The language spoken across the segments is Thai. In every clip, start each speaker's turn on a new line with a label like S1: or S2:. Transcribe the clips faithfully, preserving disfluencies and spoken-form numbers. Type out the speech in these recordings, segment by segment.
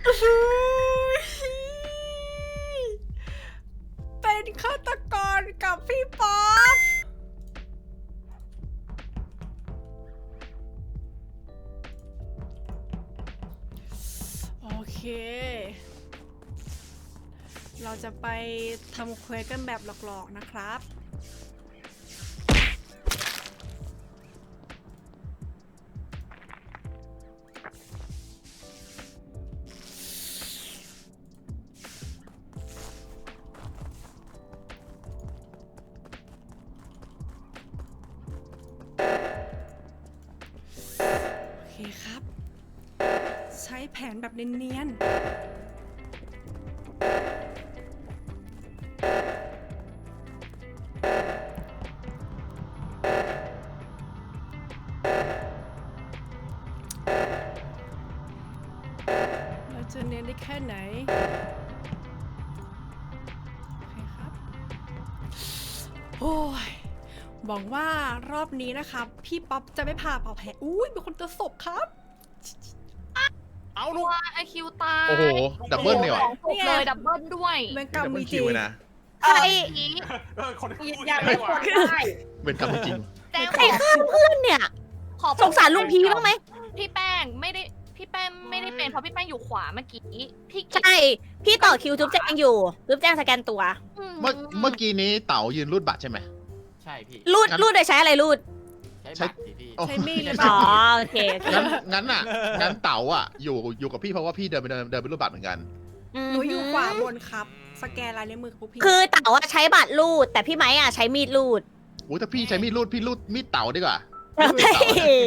S1: เป็นฆาตกรกับพี่ป๊อปโอเค เราจะไปทำเควสกันแบบหลอกๆนะครับ โอเคครับ ใช้แผนแบบเนียนๆเราจะเนียนได้แค่ไหน โอเคครับ โอ้ยหวังว่ารอบนี้นะครับ พี่ป๊อปจะไม่พาเป่าแผลอุ้ยเป็นคนเจอศพครับ
S2: เอาลูก
S3: ว่าไอคิวตาย
S4: โอ้โห ดับเบิลเนี่ยว่ะ
S3: สองศพเลยดับเบิลด้วย
S1: เวรกรรม
S4: ดับเบิ
S1: มี
S4: ล
S1: จ
S4: คิ
S1: ริ
S4: ว
S1: ง
S4: เลยนะ
S3: ใคร
S2: เออคนที่
S5: ยืน
S2: พูด
S5: ยัน
S2: ได้
S5: ไม่
S2: ว่ะ
S5: ควรได้
S4: เป็นกรรมจริง
S3: แต่
S6: ใครฆ่าเพื่อนเนี่ย
S3: ขอ
S6: สงสารลุงพีบ้างไหม
S3: พี่แป้งไม่ได้พี่แป้งไม่ได้เป็นเพราะพี่แป้งอยู่ขวาเมื่อกี้พี่กิ๊ก
S6: ใช่ พี่ต่อคิวจุ๊บแจงอยู่จุ๊บแจงสแกนตัว
S4: เมื่อเมื่อกี้นี้เต๋ายืนรูดบัตรใช่ไหม
S7: ใช่พี่
S6: รูด
S4: งั้น
S6: รูดโดยใช้อะไรรูด
S7: ใช้บัตรสิพี่
S4: โอ้
S1: ใช้มีดหรือเป
S6: อ๋
S1: ล่า
S6: อโอเคโอเค
S4: งั้นงั้นอ่ะ งั้นเต๋าอ่ะ อยู่อยู่กับพี่เพราะว่าพี่เดินไปเดินเดินไปรูดบัตรเหมือนกัน
S1: หนูอยู่ขวาบนครับ สแกนลายนิ้วมือพวกพี่
S6: คือเต๋าอะใช้บัตรรูด แต่พี่ไม้อะใช้มีดรูด
S4: อุ้ยถ้าพี่ใช้มีดรูดพี่รูดมีดเต๋าดีกว่า
S6: เฮ้ย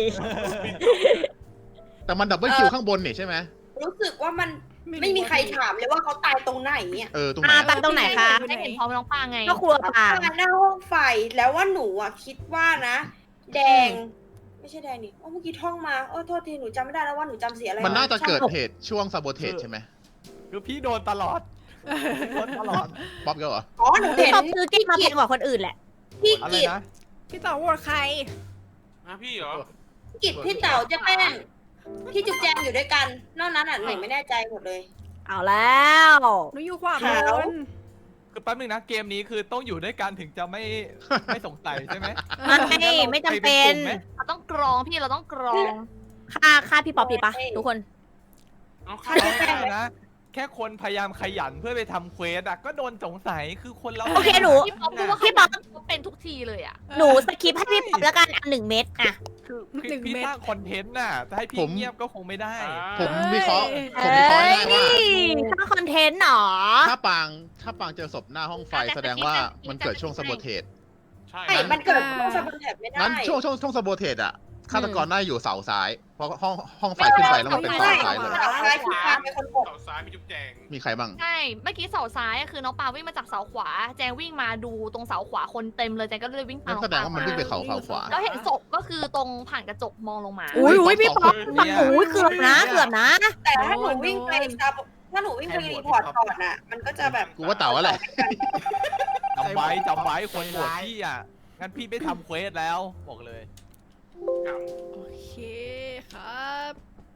S4: แต่มันดับเบิลคิวข้างบนนี่ใช่ไหม
S5: รู้สึกว่ามันไม่มีใครถามเลยว่าเขาตายตรงไหนเนี่ย
S4: เออตรงไหน
S6: อ่าตามตรงไหนคะ
S3: ได้เห็นพร้อมน้องปางไง
S6: ก็ครัวปลา
S5: ตายหน้าห้องไฟแล้วว่าหนูอ่ะคิดว่านะ แดง ไม่ใช่แดงนี่โอ้เมื่อกี้ท่องมาโอ้โทษทีหนูจำไม่ได้แล้วว่าหนูจำเสียอะไร
S4: มันน่าจะเกิด
S5: ช่ง
S4: เหตุช่วงซาโบเทสใช่ไหม
S7: คือพี่โดนตลอดโดนตลอด
S4: ป๊อปก็เหรอ
S5: อ๋อหนู
S6: พี่
S5: เห็น
S6: ตอบซื้อกิ๊กมาแพงกว่าคนอื่นแหละ
S5: พี่
S7: อะไร
S5: กิจ
S7: นะ
S1: พี่ต่อโหวตใคร
S2: นะพี่เหรอ
S5: กิจพี่เต๋าเจ๊แป้งพี่จุ๊บแจงอยู่ด้วยกัน นอกนั้นอ่ะหนูไม่แน่ใจหมดเลย
S6: เอาแล้ว
S1: หนูอยู่ขวาบ
S5: ขาว
S1: น
S7: คือแป๊บนึงนะ เกมนี้คือต้องอยู่ด้วยกันถึงจะไม่ไม่สงสัยใช่ไหม
S6: ไม่ไม่จำเป็น
S7: ใครเป็นกลุ่มไหม
S3: เราต้องกรองพี่เราต้องกรอง
S6: ค่าค่าพี่ป๊อปดีปะทุกคน
S2: เอา
S5: ฆ่า
S2: เข้า
S5: เจ๊แป้ง
S7: นะ แค่คนพยายามขยันเพื่อไปทำเควสอะก็โดนสงสัยคือคนเรา
S6: โอเคหนู
S3: พี่ป๊อปพูดว่า
S6: พี่ป๊อป
S3: เขาเป็นทุกทีเลยอ่ะ
S6: หนูสคิปให้พี่ป๊อปแล้วกันอันหนึ่งเม็ดอะ
S7: คือ
S1: หนึ่ง
S7: พี่
S1: เม็ด
S7: สร้างคอนเทนต์น่ะจะให้พี่
S4: ผม
S7: เงียบก็คงไม่ได้
S4: ผมวิเคราะห์
S1: เอ้ย
S4: ผมวิเคราะห์ง่ายๆว่า
S6: สร้างคอนเทนต์หรอ
S4: ถ้าปางถ้าปางเจอศพหน้าห้องไฟแสดงว่ามันเกิดช่วงซาโบเทส
S2: ใช่
S5: ใช่มันเกิดช่วงสะบันแถบไม่ได้
S4: งั้นช่วงช่วงช่วงซาโบเทสอะฆาตกรน่าจะอยู่เสาซ้าย เพราะห้องห้องไฟขึ้นไปแล้วมันเป็นเสาซ้ายเลย
S5: เสาซ้ายคือการเป็นคนกด
S2: เสาซ้ายมีจุ๊บแจง
S4: มีใครบ้าง
S3: ใช่เมื่อกี้เสาซ้ายอะคือน้องปาวิ่งมาจากเสาขวา แจงวิ่งมาดูตรงเสาขวาคนเต็มเลยแจงก็เลยวิ่งตาม
S4: นั่นแสดงว่ามันวิ่งไปเขาเสาขวา
S3: แล้วเห็นศพก็คือตรงผ่านกระจกมองลงมา
S6: อุ้ยอุ้ยพี่ป๊อป
S7: เนี่ย
S6: อุ้ยเกือบนะเกือบนะ
S5: แต่ถ้าหนูวิ่งไปซาบถ้าหนูวิ่งไปรีพอร์ตก่อนอ่ะ มันก็จะแบบ
S4: กูว่าเต่าอะไร
S7: จำไว้จำไว้คนโหวตพี่อ่ะ งั้นพี่ไม่ทำเควสแล้วบอกเลย
S1: โอเคครับ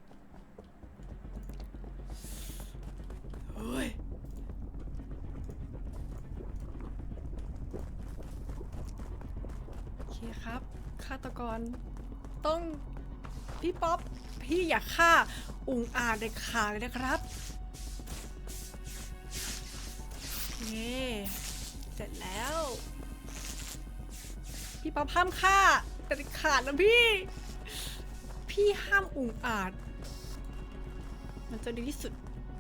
S1: เฮ้ยโอเคครับ ฆาตกรต้องพี่ป๊อป พี่อย่าฆ่าอุงอาจเด็ดขาดเลยนะครับโอเคเสร็จแล้ว พี่ป๊อปห้ามฆ่าเด็ดขาดนะพี่ พี่ห้ามอุงอาจ มันจะดีที่สุด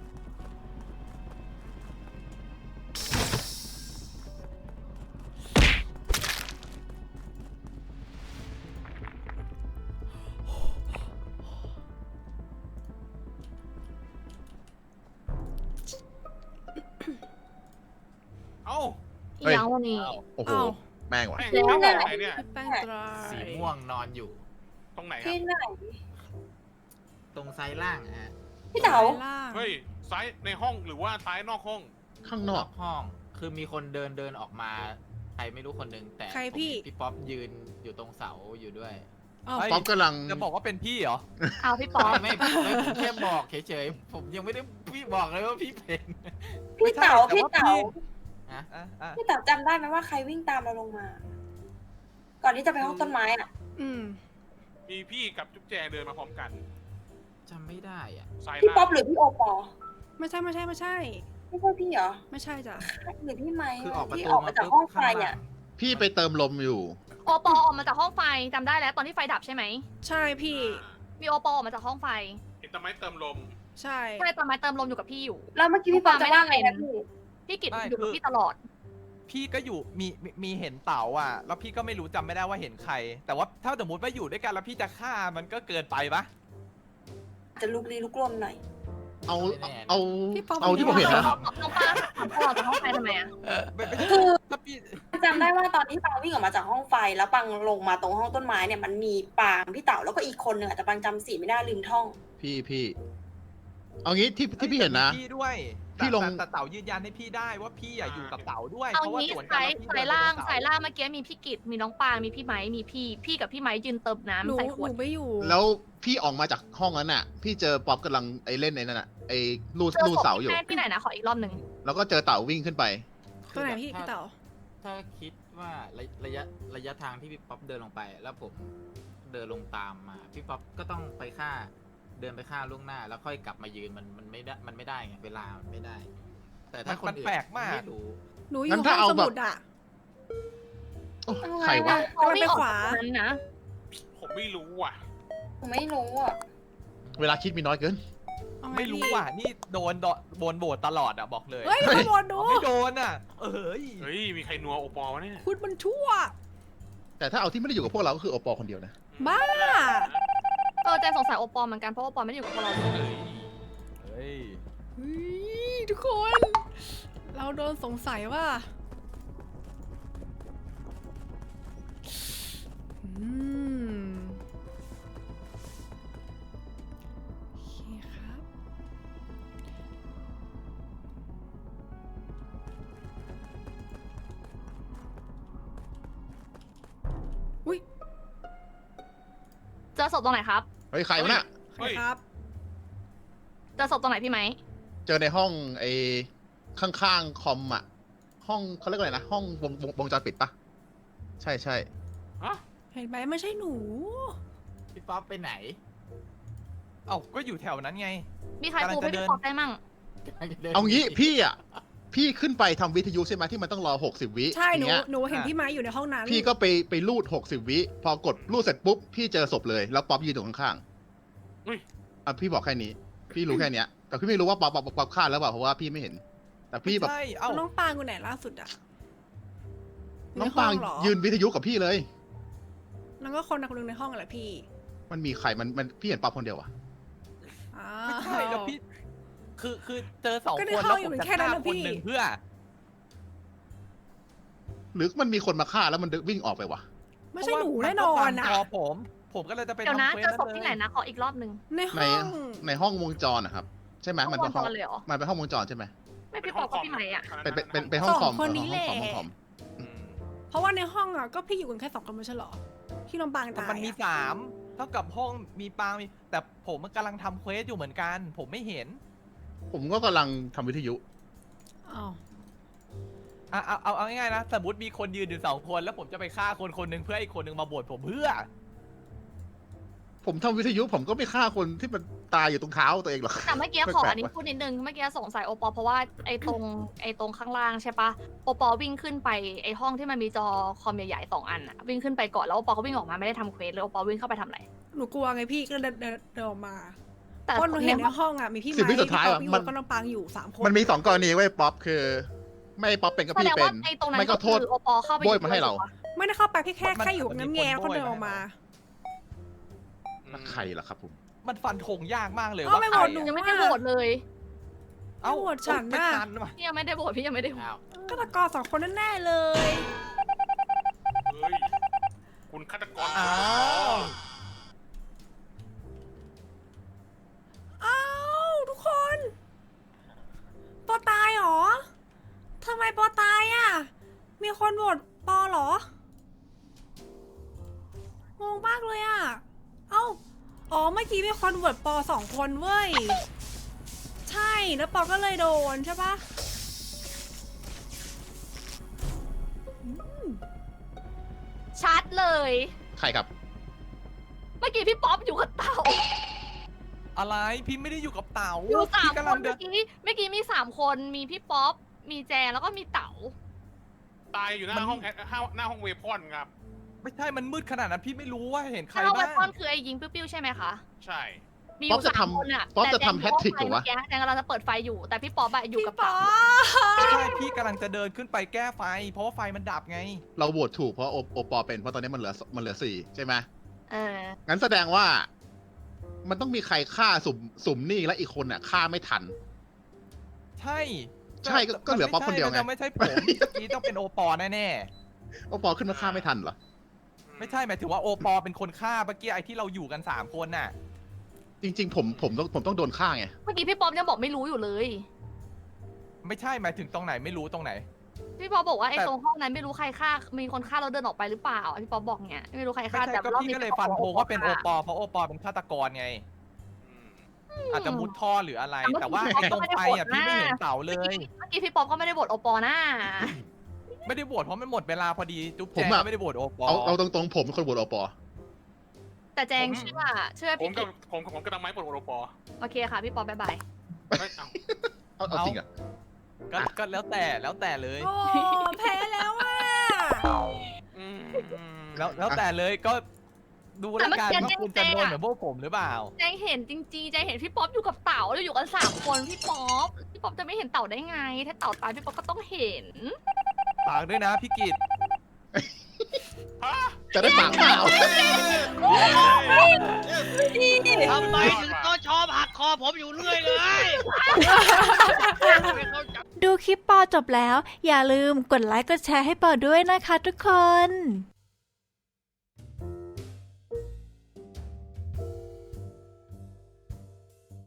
S2: เอ้า
S3: อีกแล้ววันนี้
S4: โอ้โห
S1: อ้าว
S4: แม่งว่ะ
S2: แป้งแล้วไหนเนี่ย
S1: พี่แป้งตราย
S7: สีม่วงนอนอยู่
S2: ตรงไหนครั
S5: ที่
S2: บ
S5: ไหน
S7: ตรงไซด์ล่างฮะ
S5: พี่เต๋า
S1: ล่าง
S2: เฮ้ย ซ้ายในห้องหรือว่าซ้ายนอกห้อง
S4: ข้างนอก
S7: ห้อง คือมีคนเดินเดินออกมา ใครไม่รู้คนหนึงแต่
S1: ใคร
S7: ผม
S1: พี่
S7: เห็นพี่ป๊อปยืนอยู่ตรงเสาอยู่ด้วย
S1: อ้าว
S7: เฮ้ย
S4: ป๊อปกำลัง
S7: จะบอกว่าเป็นพี่เหรอ
S3: เอาพี่ป๊อป
S8: ไม่ไม่ไม่ผมแค่บอกเฉยๆผมยังไม่ได้พี่บอกเลยว่าพี่เป็น
S5: พี่เต๋า
S7: ไม่ใช่
S5: พี่
S7: แต่
S5: เต๋า
S7: ว่าพี่ อ่ะอ่ะ
S5: พี่เต๋าจำได้ไหมว่าใครวิ่งตามเราลงมา ก่อนที่จะไปห้องต้นไม้อ่ะ
S1: อืม
S2: มีพี่กับจุ๊บแจงเดินมาพร้อมกัน
S8: จำไม่ได้อ่ะ
S2: ซ้าย
S5: พี่
S2: ล่า
S5: ป๊อปหรือพี่โอปอ
S1: ไม่ใช่ไม่ใช่ไม่ใช่
S5: ไม่ใช่พี่เหรอ
S1: ไม่ใช่จ้ะ
S5: หรือพี่ไม้
S8: คือออกประ
S5: ที่
S8: ตู
S5: ออกมาจากห้องไฟ
S8: ข้างล่า
S5: อ่ะ
S4: พี่ไปเติมลมอยู่
S3: โอปอออกมาจากห้องไฟจำได้แล้วตอนที่ไฟดับใช่ไหม
S1: ใช่พี่
S3: มีโอปอออกมาจากห้องไฟ
S2: เห็นต้นไม้เติมลม
S1: ใช่
S3: ใช่ตอนไม้เติมลมอยู่กับพี่อยู่
S5: แล้วเมื่อกี้พี่ป๊อปจะว่าไงนะพี่
S3: พี่กิต
S7: ไม่
S3: อยู่กับ
S7: คือ
S3: พี่ตลอด
S7: พี่ก็อยู่มีมีมีเห็นเต๋าอ่ะ แล้วพี่ก็ไม่รู้จำไม่ได้ว่าเห็นใคร แต่ว่าถ้าสมมติว่าอยู่ด้วยกันแล้วพี่จะฆ่ามันก็เกินไปปะ
S5: จะลุกลี้ลุกลนหน่อย
S4: เอา
S8: ไม่แน่
S4: เอา
S1: พี่ป๊อป
S4: เอาที่ผมเห็นนะ
S3: น้องป้าถามพ่อออกจากห้องไฟทำไมอะ
S7: ไม่ไม่
S5: คือ
S7: ถ้าพี่
S5: จำได้ว่าตอนที่ปังวิ่งออกมาจากห้องไฟ แล้วปังลงมาตรงห้องต้นไม้เนี่ยมันมีปางพี่เต๋าแล้วก็อีกคนหนึ่งอะแต่ปังจำสีไม่ได้ลืมท่อง
S4: พี่พี่เอางี้ที่ที่พี่เห็นนะ
S7: พี่ด้วย
S4: พี่ลง
S7: แต่แต่เต๋ายืนยันให้พี่ได้ว่าพี่อะอยู่กับเต๋าด้วย
S3: เอา
S7: เพราะว่า
S3: งี้
S7: สวนกั
S3: สาน ย
S7: แล้วพี่
S3: สาย
S7: เดินไป
S3: ล่าง
S7: ตรงเต๋
S3: สายล่างเมื่อกี้มีพี่กิตมีน้องปางมีพี่ไม้มีพี่ พี่กับพี่ไม้ยืนเติม
S1: หนู
S3: น้ำใส่ข
S1: ห
S3: วด
S1: นูไม่อยู่
S4: แล้วพี่ออกมาจากห้องนั้นน่ะ พี่เจอป๊อปกำลังไอ้เล่นไอ้นั่นน่ะไอ้ลูด
S3: เจอ
S4: ลูด
S3: ศพ
S4: เสาอยู่
S3: แม่ที่ไหนนะขออีกรอบหนึ่ง
S4: แล้วก็เจอเต่าวิ่งขึ้นไป
S1: ตัวไหนพี่
S8: ถ้า
S1: พี่เต๋า
S8: ถ้าคิดว่าระระยะระยะทางที่พี่ป๊อปเดินลงไป แล้วผมเดินลงตามมาพี่ป๊อปก็ต้องไปฆ่า เดินไปฆ่าล่วงหน้า แล้วค่อยกลับมายืนมันมันไม่ได้มันไม่ได้ไงเวลามันไม่ได้ แต่ถ้าคน
S7: มัน
S8: อื่น
S7: แปลกมาก
S8: ไม่รู้
S1: หนูอ
S4: งั้
S1: ยู่
S4: น
S1: ห้
S4: ถ้า
S1: อง
S4: เอา
S1: ส
S4: แบบ
S1: มุดอ่ะ
S4: โอ้ใครวะ
S3: เขาวิ่งออก
S1: ขวา
S3: จากตรงนั้นนะ
S2: ผมไม่รู้ว่ะ
S5: ผมไม่รู้อ่ะ
S4: เวลาคิดมีน้อยเกิน
S1: เอาง
S7: ไม่รู้
S1: พี่
S7: ว่ะนี่โดนโดนโดนโบดตลอดอะบอกเลย
S1: เฮ้ยขโมยดู
S7: อ๋อไม่โดนอะเอ้ย
S2: เฮ้ย มีใครนัวโอปอลวะเนี่ย
S1: คุณมันชั่ว
S4: แต่ถ้าเอาที่ไม่ได้อยู่กับพวกเราก็คือโอปอคนเดียวนะ
S1: บ้า
S3: เออแจงสงสัยโอปอลเหมือนกันเพราะโอปอลไม่ได้อยู่กับพวกเราเลย
S2: เฮ้ย
S7: เฮ้ย
S1: เฮ้ยทุกคน เราโดนสงสัยว่า อืมโอเคครับ อุ้ย
S3: เจอศพตรงไหนครับ
S4: เฮ้ยใครวะน่ะ
S1: ใครครับ
S3: เจอศพตรงไหนพี่ไหม
S4: เจอในห้องไอ้ข้างๆคอมอ่ะ ห้องเขาเรียกว่าอะไรนะ ห้องวงวงวงจรปิดปะใช่ใช่
S2: ฮะ
S1: เห็นไหมไม่ใช่หนู
S8: พี่ป๊อปไปไหน
S7: เอ้าก็อยู่แถวนั้นไง
S3: มีใครปูให้
S7: กำลังจะเดิ
S3: พี่
S7: น
S3: ป๊อปได้มั่ง
S4: เอางี้พี่อ่ะ พี่ขึ้นไปทำวิทยุใช่ไหมที่มันต้องรอหกสิบวิ
S1: ใช่หนู
S4: อย่างเงี้ย
S1: หนูเห็นพี่ไม้อยู่ในห้องนั้น
S4: พี่ก็ไปไปรูดหกสิบวิ พอกดรูดเสร็จปุ๊บ พี่เจอศพเลย แล้วป๊อปยืนอยู่ข้าง
S2: อุ้ย
S4: ๆอ่ะพี่บอกแค่นี้ พี่รู้แค่เนี้ย แต่พี่ไม่รู้ว่าป๊อปป๊อปป๊อปป๊อปฆ่าแล้วเปล่าเพราะว่าพี่ไม่เห็น แต่พี่แบบ
S7: ใช่เอ้า
S1: น้องปางอยู่ไหนล่าสุดอะ
S4: น้องปาง
S1: ในห้เหรอ
S4: ยืนวิทยุกับพี่เลย
S1: แล้วก็คนนักนึงในห้องอะไรพี่
S4: มันมีใครมันมันพี่เห็นป๊อปคนเดียวอะ
S1: อ้า
S7: ไม่ใช่แล้วพี่ คือคือเจอสอง
S1: ก็ใน
S7: คน
S1: ห้
S7: แล้
S1: อ
S7: ว
S1: งอยู่
S7: ผมจะ
S1: แค่นั้น
S7: ฆ่า
S1: นะ
S7: คน
S1: พี่
S7: หนึ่งเพื่อ
S4: หรือมันมีคนมาฆ่าแล้วมันวิ่งออกไปวะ
S1: ไม่ใช่หนูแน่นอนอะ
S7: เพราว่ามัก็ตามจอผม ผมก็เลยจะไป
S3: เดี๋ยวนะ
S7: ทำคว
S3: เจอศพ
S7: ลย
S3: ที่ไหนนะขออีกรอบหนึ่ง
S1: ใน
S4: ใน
S1: ห้อง
S4: ในห้องวงจรนะครับ ใช่ไหม
S3: ห้อง
S4: มันเป็นห้อง
S3: วงจรเลยเหรอ
S4: มันเป็นห้องวงจรใช่ไหม
S3: ไม่พี่ป๊อปกับพี่ไหมอะ
S4: เป็นเป็นเป็นเป็นห้องคอม
S1: สองคนนี้
S4: เออ
S1: แหละ
S4: ห้องคอมห้องคอม
S2: อืม
S1: เพราะว่าในห้องอะก็พี่อยู่กันแค่สองคนไม่ใช่เหรอ ที่น้องปาง
S7: แต่
S1: ตาย
S7: มันมี
S1: อะ
S7: สามเท่ากับห้องมีปางมี แต่ผมกำลังทำเควสอยู่เหมือนกัน ผมไม่เห็น
S4: ผมก็กำลังทำวิทยุ
S1: อ้าว
S7: อ่ะเอาเอาเอาง่ายๆนะ สมมติมีคนยืนอยู่สองคน แล้วผมจะไปฆ่าคนคนหนึ่งเพื่อให้อีกคนหนึ่งมาบวชผมเพื่อ
S4: ผมทำวิทยุผมก็ไม่ฆ่าคนที่มันตายอยู่ตรงเท้าตัวเองหรอก
S3: แต่เมื่อกี้
S4: แปลกๆ
S3: ขออันนี้
S4: ว่ะ
S3: พูดนิดนึง เมื่อกี้สงสัยโอปอลเพราะว่าไอ้ตรงไอ้ตรงข้างล่างใช่ปะโอปอลวิ่งขึ้นไปไอ้ห้องที่มันมีจอคอมใหญ่ๆสองอันอะวิ่งขึ้นไปก่อนแล้วโอปอลก็วิ่งออกมาไม่ได้ทำเควสเลยโอปอลวิ่งเข้าไปทำอะไร
S1: หนูกลัวไงพี่ก็เดินเดินเดินออกมา
S3: แต่
S1: เพราะหนูเห็นใน
S3: ในห้อง
S1: ห้องอะมีพี่
S4: สิบ
S1: ไม้
S4: วิ
S1: พี่
S4: สุดท้าย
S1: ป๊อ
S4: อะ
S1: ปพี่
S4: มั
S1: โอน ก็น้องปางอยู่สามคน
S4: มันมีสองกรณีไว้ยป๊อปคือ ไม่ป๊อปเป็นก็
S3: แส
S4: พี่
S3: ดง
S4: เป็
S3: ว่าน ไอ้ตรงนั้น
S4: ไม่
S3: ก็
S4: ก็โท
S3: คื
S4: ษ
S3: อโอปอลเข้าไป
S4: โบยมาให้เรา
S3: ถูกปะ
S1: ไม่ได้เข้าไปแค่แค่
S7: มัน
S1: แค่อยู่
S7: มัน
S1: น้ำ
S7: มี
S1: แง่
S7: คน
S1: แล้วก็
S7: โบย
S1: เดินออกมา
S4: ใครล่ะครับผม
S7: มันฟันธงยากมากเลย
S1: เอา
S7: ว่า
S1: ไม่
S7: ใค
S1: โห
S7: ร
S1: วตหนู
S7: อะ
S3: ยังไม่ได้โหวตเลย
S7: เอ้า
S1: โหวตฉัน
S7: ไม่
S1: น่ะ
S7: ทันว่ะ
S3: พี่ยังไม่ได้โหวตพี่ยังไม่ได้โหวต
S8: อ้าว
S1: ฆาตกรสองคนแน่ๆเลย
S2: เฮ้ย คุณฆาตกร
S7: อ้าว
S1: อ้าวทุกคนปอตายเหรอทำไมปอตายอ่ะ มีคนโหวตปอเหรองงมากเลยอ่ะกี้มีคนโหวตปอสองคนเว้ย ใช่ แล้วปอก็เลยโดนใช่ปะ
S3: ชัดเลย
S4: ใครครับ
S3: เมื่อกี้พี่ป๊อปอยู่กับเต่า
S7: อะไรพี่ไม่ได้อยู่กับเต่า
S3: อยู่สาม
S7: พี่
S3: ค
S7: กำลั
S3: น
S7: งเดิ
S3: เมื่อน กี้เมื่อกี้มีสามคนมีพี่ป๊อปมีแจงแล้วก็มีเต๋า
S2: ตายอยู่หน้าห้องแอดหน้าห้องเวพอนครับ
S7: ไม่ใช่มันมืดขนาดนั้นพี่ไม่รู้ว่าเห็นใคร
S3: ถ้าเว
S7: บ้าง
S3: พอนคือไอ้ยิงปิ้วๆใช่ไหมคะ
S2: ใช่
S3: มีอ
S4: ป๊อป
S3: ยู่
S4: จะ
S3: สาม
S4: ทำ
S3: คนอะ
S4: ป๊อป
S3: แต่
S4: จะทำ
S3: แจง
S4: hat-trick เหรอวะ
S3: เมื่กี้แจงกำลังจะเปิดไฟอยู่แต่พี่ป๊อปอะอยู่กับ
S1: พี่ป๊อ
S3: เต๋า
S1: ป
S7: ใช่พี่กำลังจะเดินขึ้นไปแก้ไฟ เพราะว่าไฟมันดับไง
S4: เราโหวตถูกเพราะโอโอปอเป็นเพราะตอนนี้มันเหลือมันเหลือสี่ใช่ไหม
S3: เออ
S4: งั้นแสดงว่า มันต้องมีใครฆ่าสุ่มสุ่มนี่และอีกคนน่ะฆ่าไม่ทัน
S7: ใช่
S4: ใช่ก็ก็เหลือป๊อปคนเดียวไง
S7: มันไม่ใช่ผมเมื่อกี้ต้องเป็นโอปอแน่
S4: โอปอขึ้นมาฆ่าไม่ทันเหรอ
S7: ๆไม่ใช่หมายถึงว่าโอปอเป็นคนฆ่าเมื่อกี้ไอ้ที่เราอยู่กันสามคนน่ะ
S4: จริง ๆ ผมผมต้องผมต้องโดนฆ่าไง
S3: เมื่อกี้พี่ป๊อปยังบอกไม่รู้อยู่เลย
S7: ไม่ใช่หมายถึงตรงไหนไม่รู้ตรงไหน
S3: พี่ป๊อปบอกว่าไอ้
S7: แต่
S3: ตรงห้องนั้นไม่รู้ใครฆ่ามีคนฆ่าแล้วเดินออกไปหรือเปล่าพี่ป๊อปบอกเนี้ยไม่รู้ใคร
S7: ไม่
S3: ฆ่า
S7: ใช่
S3: แต่
S7: ก็
S3: รอบ
S7: พี่
S3: นี้
S7: ก็เลยฟันธงว่าเป็นโอปอเพราะโอปอเป็นฆาตกรไง อาจจะมุดท่อหรืออะไร แต่ว่าไอ้ตรงไฟอ่ะพี่ไม่เห็นเต่าเล
S3: เมื่อย กี้เมื่อกี้พี่ป๊อปก็ไม่ได้บทโอปอหน้า
S7: ไม่ได้โหวตเพราะมันหมดเวลาพอดีจุ๊บ
S4: ผม
S7: แจง
S4: อะ
S7: ก็ไม่ได้โหวตโอปอ
S4: เอาเอาตรงๆผมเป็นคนโหวตโอปอ
S3: แต่แจงเชื่อเชื่อ
S2: ผม
S3: พี่
S2: กั
S3: กิ
S2: บ
S3: จ
S2: ผมผมกำลังไม้ปวดโอปอ
S3: โอเคค่ะพี่ป๊อปบ๊ายบาย
S2: ไม่เอา
S4: เอาเอาจริงอ่ะ
S7: ก็ก็แล้วแต่แล้วแต่เลย
S1: โอ้แพ้แล้วอ่ะ
S2: อืม
S7: แล้วแล้วแต่เลยก็ดูแล้วกันว่าคุณจะโดนเหมือนพวกผมหรือเปล่า
S3: แจงเห็นจริงๆแจงเห็นพี่ป๊อปอยู่กับเต่าแล้วอยู่กันสามคนพี่ป๊อปพี่ป๊อปจะไม่เห็นเต่าได้ไง ถ้าเต่าตายพี่ป๊อปก็ต้องเห็น
S7: ฝากด้วยนะพี่กิต
S2: ฮะ
S4: จะได้ปากเปล่า
S9: ทำไมถึงต้องชอบหักคอผมอยู่เรื่อยเลย
S10: ดูคลิปปอจบแล้ว อย่าลืมกดไลค์กดแชร์ให้ปอด้วยนะคะทุกคน